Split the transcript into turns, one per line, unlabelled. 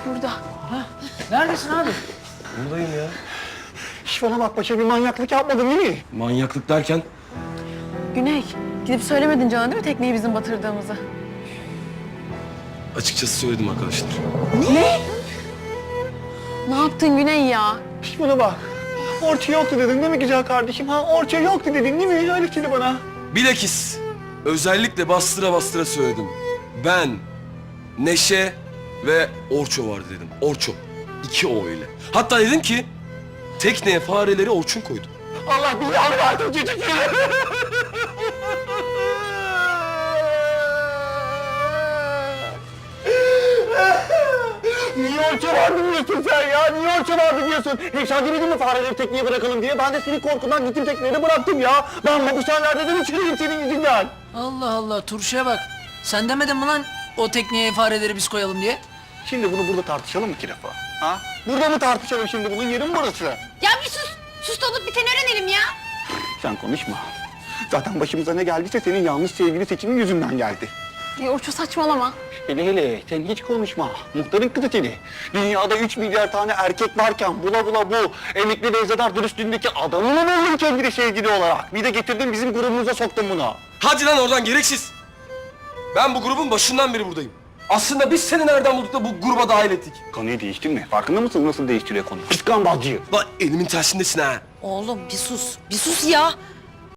burada.
Neredesin abi?
Buradayım ya.
Şş bana bak paşa bir manyaklık yapmadın değil mi?
Manyaklık derken?
Güney, gidip söylemedin Can'a değil mi tekneyi bizim batırdığımızı?
Açıkçası söyledim arkadaşlar.
Ne yaptın Güney ya?
Şş bana bak. Orça yoktu dedin değil mi güzel kardeşim? Ha orça yoktu dedin değil mi? Öyle dedi bana.
Bilakis özellikle bastıra bastıra söyledim. Ben, Neşe ve Orço vardı dedim. Orço. 2 O ile. Hatta dedim ki tekneye fareleri Orçun koydu.
Allah billahi verdim çocuk ya. Niye orça vardı diyorsun sen ya? Niye orça vardı diyorsun? Sen demedin mi fareleri tekneye bırakalım diye? Ben de senin korkundan gittim tekneye de bıraktım ya. Ben mahpushanelerde de çürüdüm senin yüzünden.
Allah Allah, turşuya bak. Sen demedin mi lan o tekneye fareleri biz koyalım diye?
Şimdi bunu burada tartışalım mı ki defa? Ha? Burada mı tartışalım şimdi bunun yeri mi burası?
Ya bir sus. Sus da olup biteni öğrenelim ya.
Sen konuşma. Zaten başımıza ne geldiyse senin yanlış sevgili seçimin yüzünden geldi.
Orço saçmalama.
Hele hele sen hiç konuşma. Muhtarın kızı seni. Dünyada 3 milyar tane erkek varken bula bula bu emekli Nevzat dürüstlüğündeki adamı mı buldun kendine sevgili olarak? Bir de getirdin bizim grubumuza soktun bunu.
Hadi lan oradan gereksiz. Ben bu grubun başından beri buradayım. Aslında biz seni nereden bulduk da bu gruba dahil ettik?
Konuyu değiştirme. Farkında mısın nasıl değiştiriyor konuyu? Pis gambazcı.
Lan elimin tersindesin ha.
Oğlum bir sus. Bir sus ya.